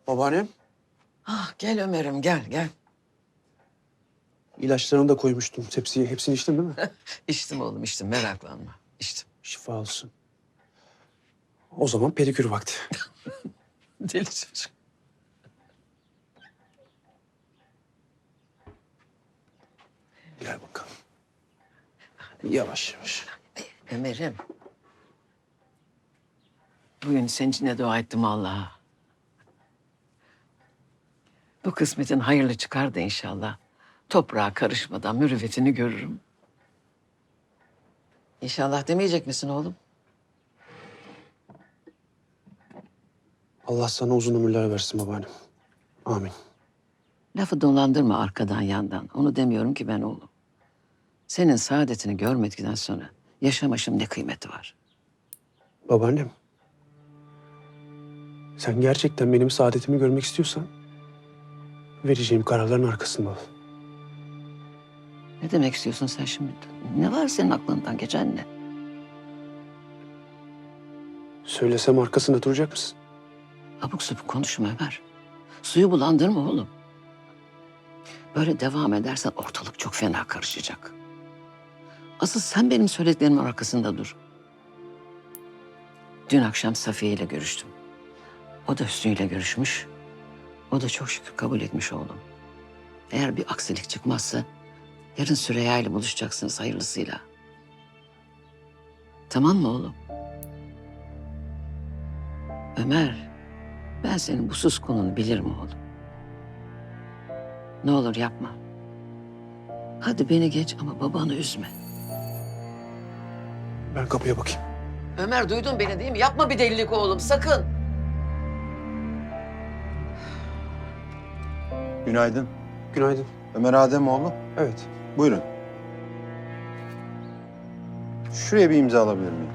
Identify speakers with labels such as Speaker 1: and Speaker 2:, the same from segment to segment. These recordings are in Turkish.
Speaker 1: Babaannem,
Speaker 2: Ah, gel Ömer'im gel.
Speaker 1: ilaçlarını da koymuştum tepsiye. Hepsini içtin değil mi?
Speaker 2: İçtim oğlum içtim, meraklanma. İçtim.
Speaker 1: Şifa olsun. O zaman pedikür vakti.
Speaker 2: Deli çocuk.
Speaker 1: Gel bakalım. Yavaş yavaş.
Speaker 2: Ömer'im. Bugün senin için de dua ettim Allah'a. Bu kısmetin hayırlı çıkar da inşallah. Toprağa karışmadan mürüvvetini görürüm. İnşallah demeyecek misin oğlum?
Speaker 1: Allah sana uzun ömürler versin babaannem. Amin.
Speaker 2: Lafı dolandırma arkadan yandan. Onu demiyorum ki ben oğlum. Senin saadetini görmedikten sonra yaşamışım ne kıymeti var?
Speaker 1: Babaannem. Sen gerçekten benim saadetimi görmek istiyorsan vereceğim kararların arkasında ol.
Speaker 2: Ne demek istiyorsun sen şimdi? Ne var senin aklından geçen ne?
Speaker 1: Söylesem arkasında duracak mısın?
Speaker 2: Abuk sabuk konuşma Ömer. Suyu bulandırma oğlum. Böyle devam edersen ortalık çok fena karışacak. Asıl sen benim söylediklerimin arkasında dur. Dün akşam Safiye ile görüştüm. O da Hüsnü ile görüşmüş. O da çok şükür kabul etmiş oğlum. Eğer bir aksilik çıkmazsa yarın Süreyya ile buluşacaksınız hayırlısıyla. Tamam mı oğlum? Ömer, ben senin bu suskunluğunu bilirim oğlum. Ne olur yapma. Hadi beni geç ama babanı üzme.
Speaker 1: Ben kapıya bakayım.
Speaker 2: Ömer duydun beni değil mi? Yapma bir delilik oğlum sakın.
Speaker 3: Günaydın.
Speaker 1: Günaydın.
Speaker 3: Ömer Ademoğlu.
Speaker 1: Evet.
Speaker 3: Buyurun. Şuraya bir imza alabilir miyim?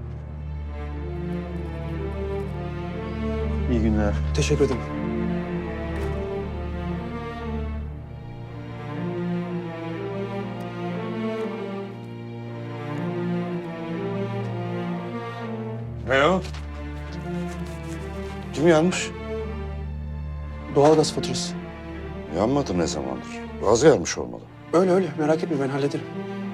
Speaker 3: İyi günler.
Speaker 1: Teşekkür ederim.
Speaker 3: Ne o? Kim yanmış?
Speaker 1: Doğalgaz faturası.
Speaker 4: Yanmadı ne zamandır? Gaz gelmiş olmalı.
Speaker 1: Öyle öyle merak etme ben hallederim.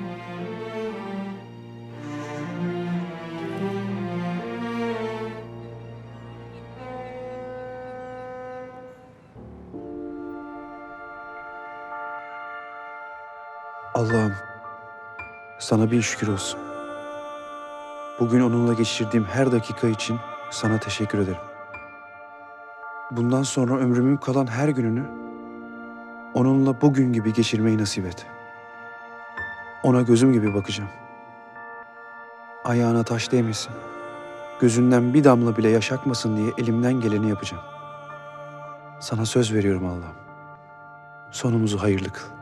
Speaker 1: Allah'ım sana bin şükür olsun. Bugün onunla geçirdiğim her dakika için sana teşekkür ederim. Bundan sonra ömrümün kalan her gününü onunla bugün gibi geçirmeyi nasip et. Ona gözüm gibi bakacağım. Ayağına taş değmesin. Gözünden bir damla bile yaş akmasın diye elimden geleni yapacağım. Sana söz veriyorum Allah'ım. Sonumuzu hayırlı kıl.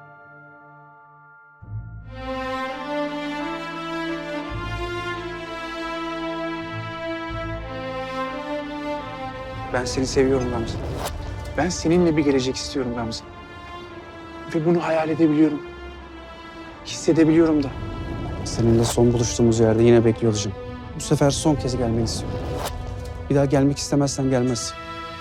Speaker 1: Ben seni seviyorum Gamze. Ben seninle bir gelecek istiyorum Gamze. Ve bunu hayal edebiliyorum. Hissedebiliyorum da. Seninle son buluştuğumuz yerde yine bekliyor olacağım. Bu sefer son kez gelmeni istiyorum. Bir daha gelmek istemezsen gelmezsin.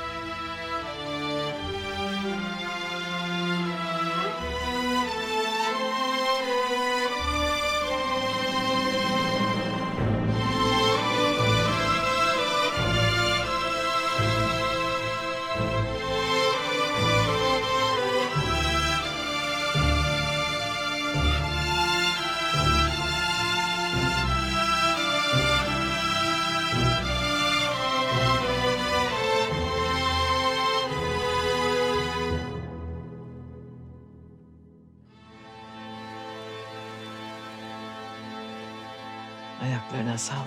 Speaker 2: Ayaklarına sağlık.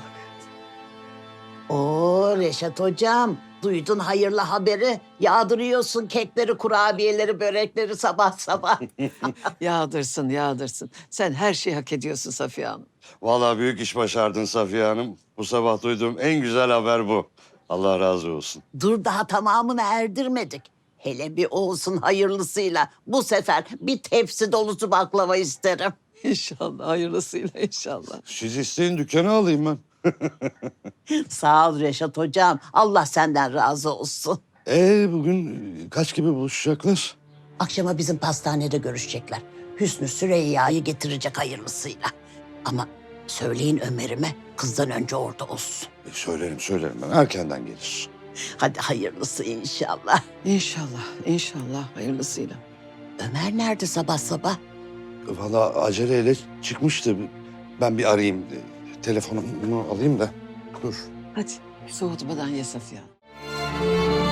Speaker 5: Oo Reşat hocam, duydun hayırlı haberi. Yağdırıyorsun kekleri, kurabiyeleri, börekleri sabah sabah.
Speaker 2: Yağdırsın. Sen her şeyi hak ediyorsun Safiye Hanım.
Speaker 4: Vallahi büyük iş başardın Safiye Hanım. Bu sabah duyduğum en güzel haber bu. Allah razı olsun.
Speaker 5: Dur daha tamamını erdirmedik. Hele bir olsun hayırlısıyla. Bu sefer bir tepsi dolusu baklava isterim.
Speaker 2: İnşallah hayırlısıyla inşallah.
Speaker 4: Siz isteyin dükkanı alayım ben.
Speaker 5: Sağ ol Reşat hocam. Allah senden razı olsun.
Speaker 4: Bugün kaç gibi buluşacaklar?
Speaker 5: Akşama bizim pastanede görüşecekler. Hüsnü Süreyya'yı getirecek hayırlısıyla. Ama söyleyin Ömer'ime kızdan önce orada olsun.
Speaker 4: Söylerim ben. Erkenden gelir.
Speaker 5: Hadi hayırlısı inşallah.
Speaker 2: İnşallah hayırlısıyla.
Speaker 5: Ömer nerede sabah sabah?
Speaker 4: Vallahi aceleyle çıkmıştı. Ben bir arayayım. Telefonumu alayım da. Dur.
Speaker 2: Hadi soğutmadan ye Safiye Hanım.